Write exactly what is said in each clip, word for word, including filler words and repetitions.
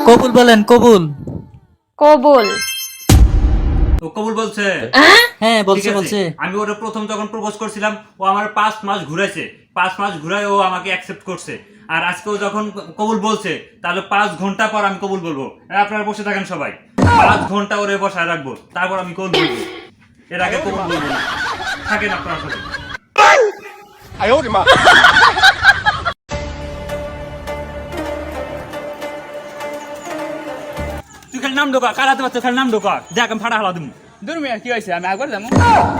কবুল বলেন, কবুল। কবুল। ও কবুল বলছে? হ্যাঁ বলছে ঠিক আছে। বলছে। আমি ওরে প্রথম যখন প্রপোজ করছিলাম, ও আমার পাঁচ মাস ঘুরাইছে, পাঁচ মাস ঘুরাই ও আমাকে অ্যাকসেপ্ট করছে। আর আজকে ও যখন কবুল বলছে, তাহলে পাঁচ ঘন্টা পর আমি কবুল বলবো। আপনারা বসে থাকেন সবাই, পাঁচ ঘন্টা ওরে বসায় রাখবো, তারপর আমি কবুল বলবো। এর আগে কবুল বলবো না। থাকেন আপনারা সবাই। তুই খালি নাম ঢোকা, কারাতে পারছো, খালি নাম ঢোকা, দেখ আমি ফাটা হালা দিমু। দূর মিয়া কি হয়েছে, আমি একবার যাবো।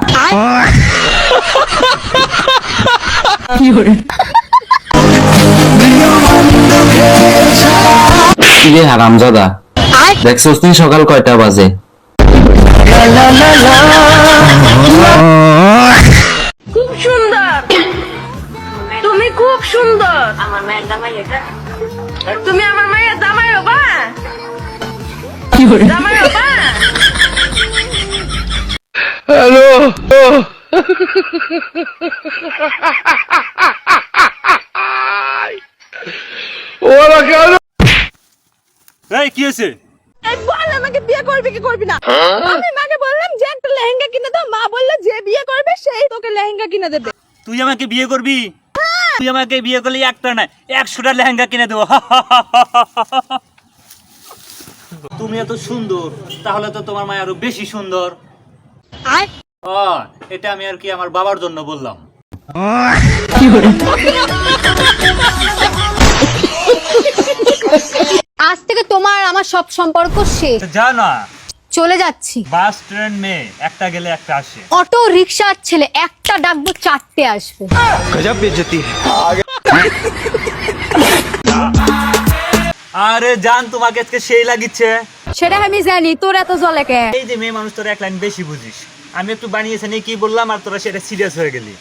কিরে হারামজাদা, দেখছস তুই সকাল কয়টা বাজে? খুব সুন্দর, তুমি খুব সুন্দর। আমার মায়ের জামাই এটা। তুমি আমার মায়ের জামাই হবা, জামাই হবা। এই কি হয়েছে? এই বল আমাকে বিয়ে করবি কি করবি না? আমি মাকে বললাম যে একটা লেহেঙ্গা কিনে দাও, মা বললো যে বিয়ে করবে সেই তোকে লেহেঙ্গা কিনে দেবে। তুই আমাকে বিয়ে করবি? তুই আমাকে বিয়ে করলে একটা না একশোটা লেহেঙ্গা কিনে দেবো। তুমি এত সুন্দর, তাহলে তো তোমার মা আরো বেশি সুন্দর। ও, এটা আমি আর কি আমার বাবার জন্য বললাম। আজ থেকে তোমার আমার সব সম্পর্ক শেষ, যা না, চলে যাচ্ছি। বাস ট্রেন মেয়ে একটা গেলে একটা আসে। অটো রিক্সার ছেলে একটা ডাকবো চারটে আসবে। আরে জান, তোমাকে আজকে সেই লাগিচ্ছে। সেটা আমি জানি, তোর এত জলে কে? এই যে মেয়ে মানুষ, তোরা এক লাইন বেশি বুঝিস। আমি একটু বানিয়েছি নিয়ে কি বললাম, আর তোরা সেটা সিরিয়াস হয়ে গেলি।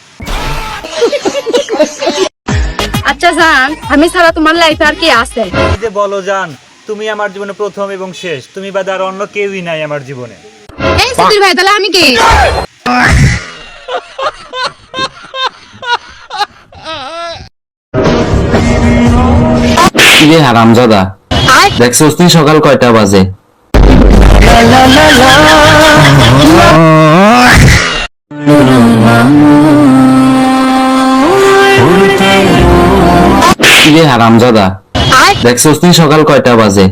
আচ্ছা জান, আমি ছাড়া তোমার লাইফে আর কি আছে? এই যে বলো জান, তুমি আমার জীবনে প্রথম এবং শেষ, তুমি বাদে আর অন্য কেউই নাই আমার জীবনে। এই সুধীর ভাই, তাহলে আমি কি? কিরে হারামজাদা, দেখছস তুই সকাল কয়টা বাজে? কিরে হারামজাদা, দেখছস তুই সকাল কয়টা বাজে?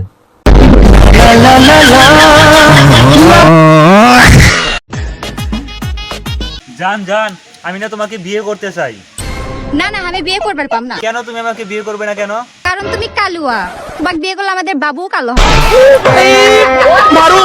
জান জান, আমি না তোমাকে বিয়ে করতে চাই। না না, আমি বিয়ে করবার পাম না। কেন তুমি আমাকে বিয়ে করবে না কেন? কারণ তুমি কালুয়া, তোমাকে বিয়ে করলে আমাদের বাবু কালো হবে।